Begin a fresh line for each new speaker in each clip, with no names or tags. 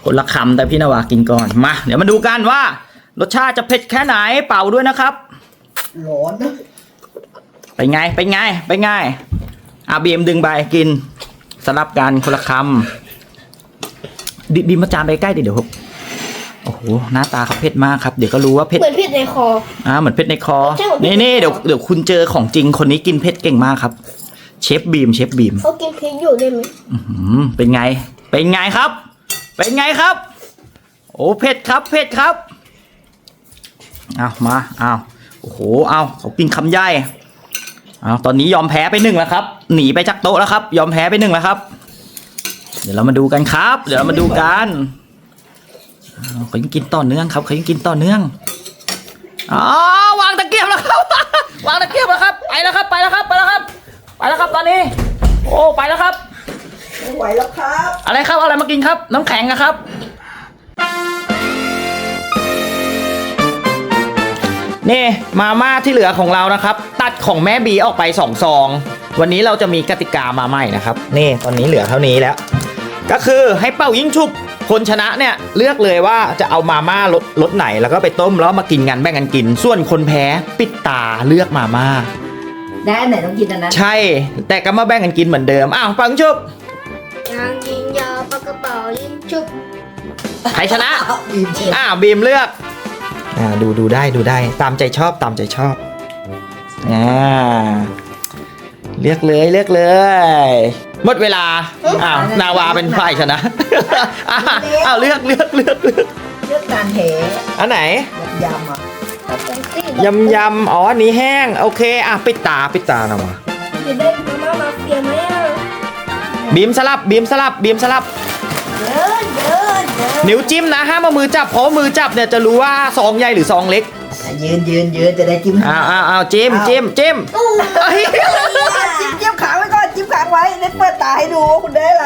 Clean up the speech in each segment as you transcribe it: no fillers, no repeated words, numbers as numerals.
คนละคำแต่พี่นาวากินก่อนมาเดี๋ยวมาดูกันว่ารสชาติจะเผ็ดแค่ไหนเป่าด้วยนะครับ
ร้อนนะ
ไปไงบีมดึงใบกินสลับกันคนละคำบีมมาจานไปใกล้เดี๋ยวโอ้โหหน้าตาเขาเผ็ดมากครับเดี๋ยวก็รู้ว่าเผ็ด
เหมือนเผ็ดในคอ
เหมือนเผ็ดในคอนี่เดี๋ยวคุณเจอของจริงคนนี้กินเผ็ดเก่งมากครับเชฟบีม
เขากินพริกอยู่ได้ไหม
เป็นไงครับโอ้เผ็ดครับเอามาโอ้โหเขากินคำใหญ่ตอนนี้ยอมแพ้ไป1แล้วครับหนีไปจากโต๊ะแล้วครับยอมแพ้ไป1แล้วครับเดี๋ยวเรามาดูกันครับเขายังกินต่อเนื่องครับวางตะเกียบแล้วครับวางตะเกียบแล้วครับไปแล้วครับตอนนี้โอ้ไปแล้วครับ
ไม่ไหวแล้วครับ
อะไรมากินครับน้ำแข็งนะครับนี่มาม่าที่เหลือของเรานะครับตัดของแม่บีออกไป2 ซองวันนี้เราจะมีกติกามาใหม่นะครับนี่ตอนนี้เหลือเท่านี้แล้วก็คือให้เป่ายิงฉุบคนชนะเนี่ยเลือกเลยว่าจะเอามาม่ารสไหนแล้วก็ไปต้มแล้วมากินกันแบ่งกันกินส่วนคนแพ้ปิดตาเลือกมาม่า
ได้ไหนต้องกินอันนั้น
ใช่แต่ก็มาแบ่งกันกินเหมือนเดิมเป่ายิงฉุบ
ยางยิงยาวปากกระเป๋ายิงฉุบ
ใครชนะบีมเลือกดูได้ตามใจชอบเลือกเลยหมดเวลานาวาเป็นฝ่ายชนะเลือก
การเท
อันไหน
ย
ยำอันนี้แห้งโอเคปิดตานาวา
จะได้มาเฟียไหม
บีมสลับนิ้วจิ้มนะห้ามเอามือจับเพราะมือจับเนี่ยจะรู้ว่าซองใหญ่หรือซองเล็ก
ยืนจะได้จิ้ม
จิ้ม
จิ้มขาไว้ก่อนจิ้มขาไว้เล่นเปิดตาให้ดูว่าคุณได้อะไร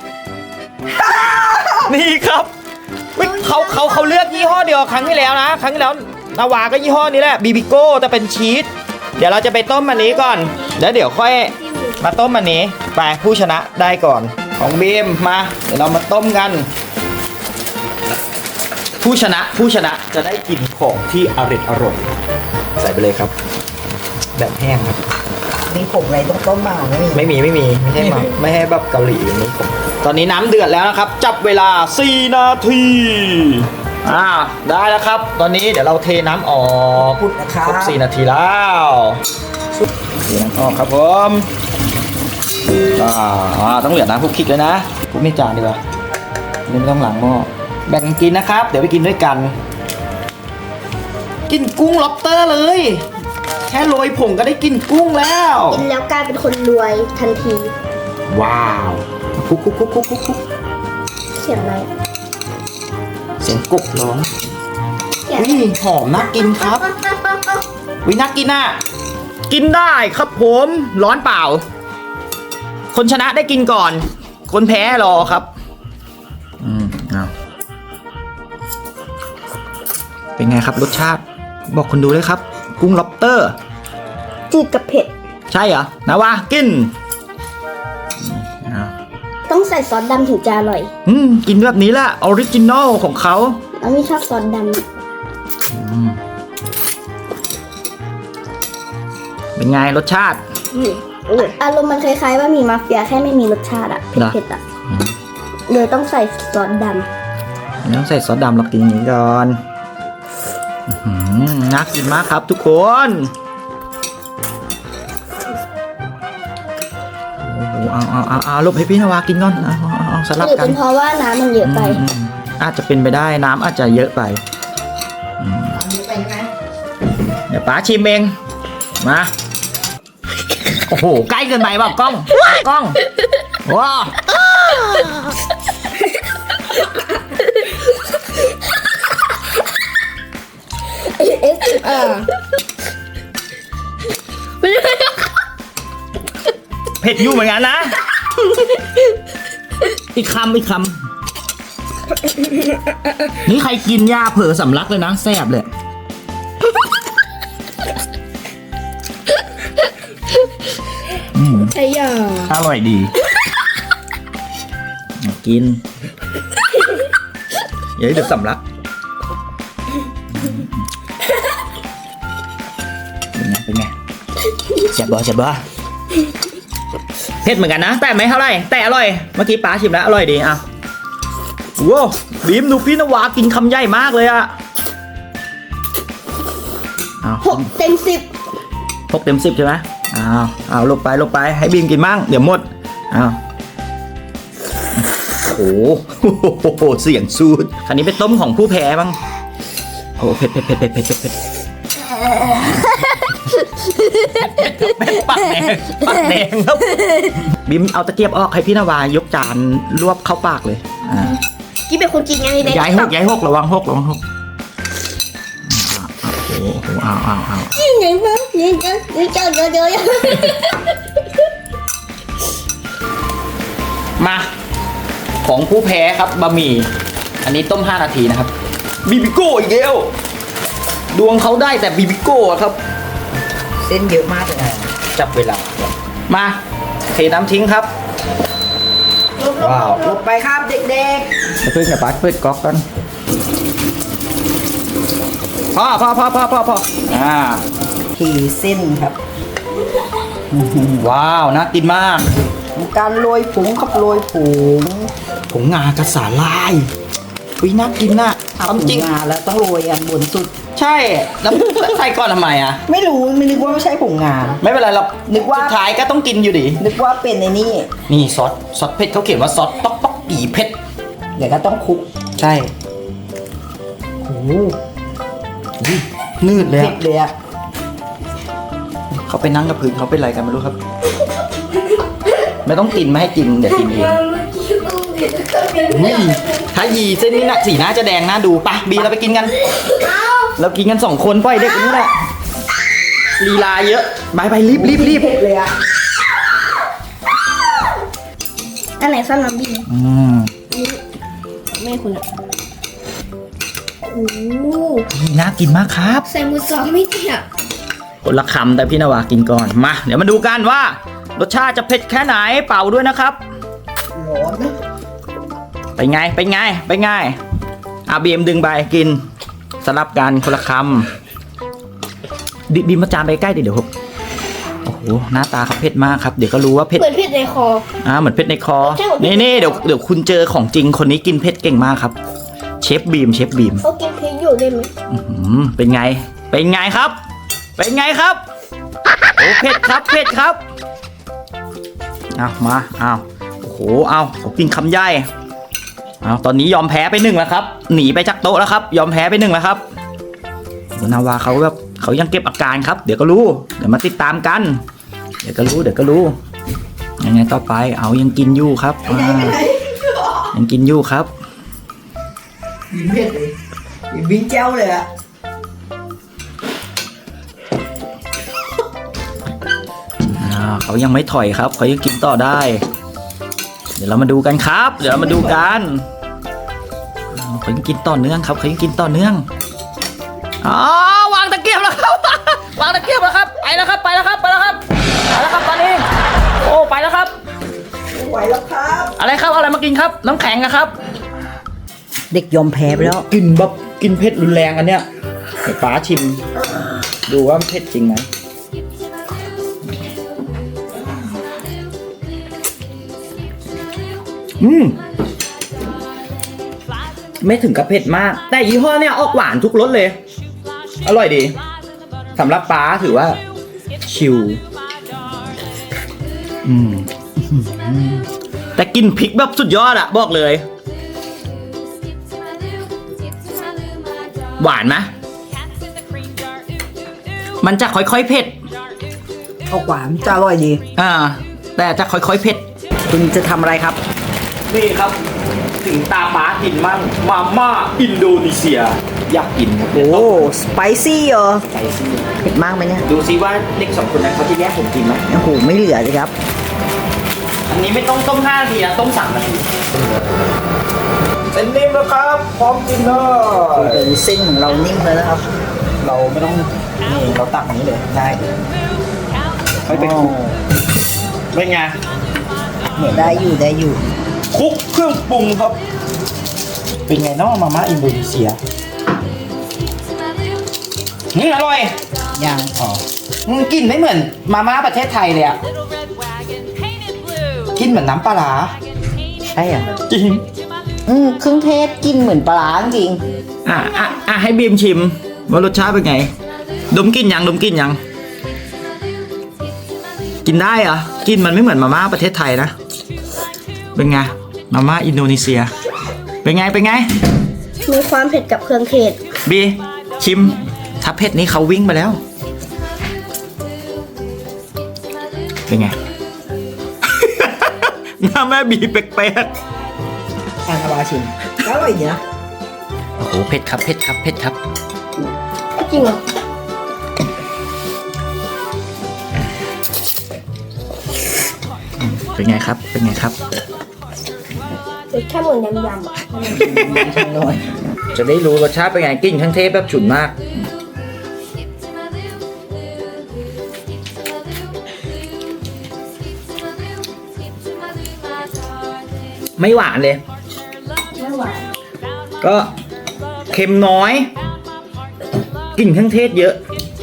นี่ครับเขาเลือกยี่ห้อเดียวครั้งที่แล้วนาวาก็ยี่ห้อนี้แหละบีบิโก้แต่เป็นชีสเดี๋ยวเราจะไปต้มอันนี้ก่อนแล้วเดี๋ยวค่อยมาต้มอันนี้ไปผู้ชนะได้ก่อนของบีมมาเดี๋ยวเรามาต้มกันผู้ชนะจะได้กินของที่อร่อยใส่ไปเลยครับแบบแห้งครับ
มีผงอะไรต้องต้มมา
ไม่มีไม่ให้แบบเกาหลีอย่างนี้ผมตอนนี้น้ำเดือดแล้วนะครับจับเวลา4 นาทีได้แล้วครับตอนนี้เดี๋ยวเราเทน้ำออกครบ4 นาทีแล้วเทน้ำออกครับผมต้องเหลือน้ำคุกคิกเลยนะคุกนี่จานดีกว่านี่ไม่ต้องล้างหม้อแบ่งกินนะครับเดี๋ยวไปกินด้วยกันกินกุ้งล็อบสเตอร์เลยแค่โรยผงก็ได้กินกุ้งแล้ว
กินแล้วกลายเป็นคนรวยทันที
ว้าวคุก
เสียงอะไร
เสียงกบร้องหอมน่ากินครับน่ากินกินได้ครับผมร้อนเปล่าคนชนะได้กินก่อนคนแพ้รอครับเป็นไงครับรสชาติบอกคนดูเลยครับกุ้งล็อบสเตอร์
จืดกับเผ็ด
ใช่เหรอนะวะกิน
ต้องใส่ซอสดำถึงจะอร่อย
กินแบบนี้แหละออริจินอลของเขา
ไม่ชอบซอสด
ำเป็นไงรสชาติ
อารมณ์มันคล้ายๆว่ามีมาเฟียแค่ไม่มีรสชาติเผ็ดเลยต้องใส่ซอสดำ
ต้องใส่ซอสดำเรากินอย่างนี้ก่อนน่ากินมากครับทุกคนเอาลบให้พี่นาวากินก่อนเอาสลับกัน
เป็นเพราะว่าน้ำมันเยอะไป
อาจจะเป็นไปได้น้ำอาจจะเยอะไปเดี๋ยวป๋าชิมเองมาโอ้โหใกล้เกินไปป่ะกล้องว้าเผ็ดอยู่เหมือนกันนะอีกคำนี่ใครกินยาเผลอสำลักเลยนะแซ่บเลย
ใช่ยา
อร่อยดีกินอย่าให้เดือดสำลักเป็นไงเจ็บบ่เผ็ดเหมือนกันนะแต่ไม่เท่าไหร่แต่อร่อยเมื่อกี้ป้าชิมแล้วอร่อยดีอ่ะว้าวบีมดูพี่นวากินคำใหญ่มากเลยอ่ะ
6 เต็ม 10
6 เต็ม 10ใช่ไหมเอาลงไปให้บีมกินมั่งเดี๋ยวหมดโอ้โหเสียงสูดคันนี้เป็นต้มของผู้แพ้บ้างโอ้เผ็ดปากแดงครับบิมเอาตะเกียบออกให้พี่นวายกจานรวบเข้าปากเลย
กิ๊บเป็นคนกินไงเด็ก
ย้ายหกระวังหกโอ้โหเอา
จริงไงมั้งนี่เจอ
มาของผู้แพ้ครับบะหมี่อันนี้ต้ม5 นาทีนะครับบิบิโก้อีกแล้วดวงเขาได้แต่บิบิโก้ครับ
เส้นเยอะมากเลย
จับเวลามาเทน้ำทิ้งครับว้าว
ลงไปครับเด็ก
จะเพิ่งอย่าปัดเปิดก๊อกกันพอ
ทีเส้นครับ
ว้าวน่ากินมาก
การโรยผงครับโรยผง
งากระสาลายน่ากินน่ะ
จริงงาแล้วต้องโรยอันบนสุด
ใช่แล้วใส่ก่อนทำไมอ่ะ
ไม่นึกว่าไม่ใช่ผงงา
ไม่เป็นไรหรอกนึกว่าสุดท้ายก็ต้องกินอยู่ดิ
นึกว่าเป็นใน
นี่ซอสเผ็ดเขาเขียนว่าซอสต๊อกปีเผ็ด
เดี๋ยวก็ต้องคลุก
ใช่โอ้นืดเลย
เผ็ดเลยอ่ะ
เขาไปนั่งกับพื้นเขาเป็นไรกันไม่รู้ครับไม่ต้องกินไม่ให้กินเดี๋ยวกินเองถ้ายีเส้นนี้นะสีหน้าจะแดงน่าดูปะบีเราไปกินกันเรากินกัน2 คนปล่อยเด็กนี่แหละลีลาเยอะไปรีบ
เลยอ่ะ
อันไหนซ่อนน้ำบีแม่คุณอ่ะโอ้
น่ากินมากครับ
ใส่มือ2ไม่เนี่ย
คนละคำแต่พี่นวากินก่อนมาเดี๋ยวมาดูกันว่ารสชาติจะเผ็ดแค่ไหนเป่าด้วยนะครับ
ร้อนนะ
ไปไงบีมดึงไปกินสลับกันคนละคำบีมมาจานไปใกล้เดี๋ยวครับโอ้โหหน้าตาเขาเผ็ดมากครับเดี๋ยวก็รู้ว่าเผ็ด
เหมือนเผ็ดในคอ
เหมือนเผ็ดในคอนี่เดี๋ยวคุณเจอของจริงคนนี้กินเผ็ดเก่งมากครับเชฟบีม
เขากินพริกอยู่ได้ไหม
เป็นไงครับโอ้เผ็ดครับมาโอ้โหเขากินคำใหญ่ตอนนี้ยอมแพ้ไป1แล้วครับหนีไปจากโต๊ะแล้วครับยอมแพ้ไป1แล้วครับนาวาเขายังเก็บอาการครับเดี๋ยวก็รู้เดี๋ยวมาติดตามกันเดี๋ยวก็รู้ยังไงต่อไปยังกินอยู่ครับยังกินอยู่ครับ
ยิ้มเผ็ดเลยยิ้มเจ้าเลยอะ
เขายังไม่ถอยครับเขายังกินต่อได้เดี๋ยวเรามาดูกันครับเขายังกินต่อเนื่องครับวางตะเกียบแล้วครับไปแล้วครับตอนนี้โอ้ไปแล้วครับ
ไหวแล้วครับ
อะไรมากินครับน้ำแข็งนะครับ
เด็กยอมแพ้ไปแล้ว
กินเผ็ดรุนแรงอันเนี้ยเดี๋ยวป้าชิมดูว่าเผ็ดจริงไหมไม่ถึงกับเผ็ดมากแต่ยี่ห้อเนี่ยออกหวานทุกรสเลยอร่อยดีสำหรับป้าถือว่าชิลแต่กินพริกแบบสุดยอดอะบอกเลยหวานไหมมันจะค่อยๆเผ็ด
ออกหวานจะอร่อยดี
แต่จะค่อยๆเผ็ด
คุณจะทำอะไรครับ
นี่ครับถึงตาป้ากินมั่งมาม่าอินโดนีเซียอยากกิน
โอ้สไปซี่เหรอเผ็ดมากไหมเนี่ย
ดูซิว่าเด็ก2 คนนั้นเขาจะแยกผมกินไหม
โอ้โหไม่เหลือเลยครับ
อันนี้ไม่ต้องต้ม5 นาทีนะต้ม3 นาทีเส้นนิ่มแล้วครับพร้อมกินเลย
เส้นของเรานิ่มเลยนะครับ
เราไม่ต้องนี่เราตักอย่างนี้เลยได้ค่อยไปคลุกเป็นไง
ได้อยู่
คลุกเครื่องปรุงครับเป็นไงเนาะมาม่าอินโดนีเซียอร่อย
ยัง
อ๋อกินไม่เหมือนมาม่าประเทศไทยเลยอ่ะกินเหมือนน้ำปลาร้า
ใช่อ่ะ
จริง
เครื่องเทศกินเหมือนปลาร้าจริง
ให้บีมชิมว่ารสชาติเป็นไง ดมกลินยังกินได้เหรอกินมันไม่เหมือนมาม่าประเทศไทยนะเป็นไงมาม่าอินโดนีเซียเป็นไง
มีความเผ็ดกับเครื่องเทศ
บีชิมถ้าเผ็ดนี้เขาวิ่งไปแล้ว เป็นไง หน้าแม่บีแปลก
อันอาวาชิมก็อร่อยดีนะ
ๆโอ้โหเผ็ดครับ
จริงเหรอ
เป็นไงครับ
เผ็ดแค่เหมือนยำๆอ่ะ
อร่อย
จะได้รู้รสชาติเป็นไงกลิ่นทั้งเทพแบบฉุนมาก ไม่หวานเลย
ไม่หวาน
ก็เค็มน้อยกลิ่นเครื่องเทศเยอะ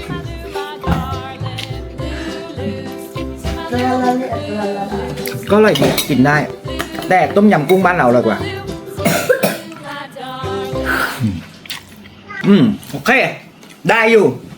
ก็อร่อยดีกินได้ แต่ต้มยำกุ้งบ้านเราอร่อยกว่า โอเค ได้อยู่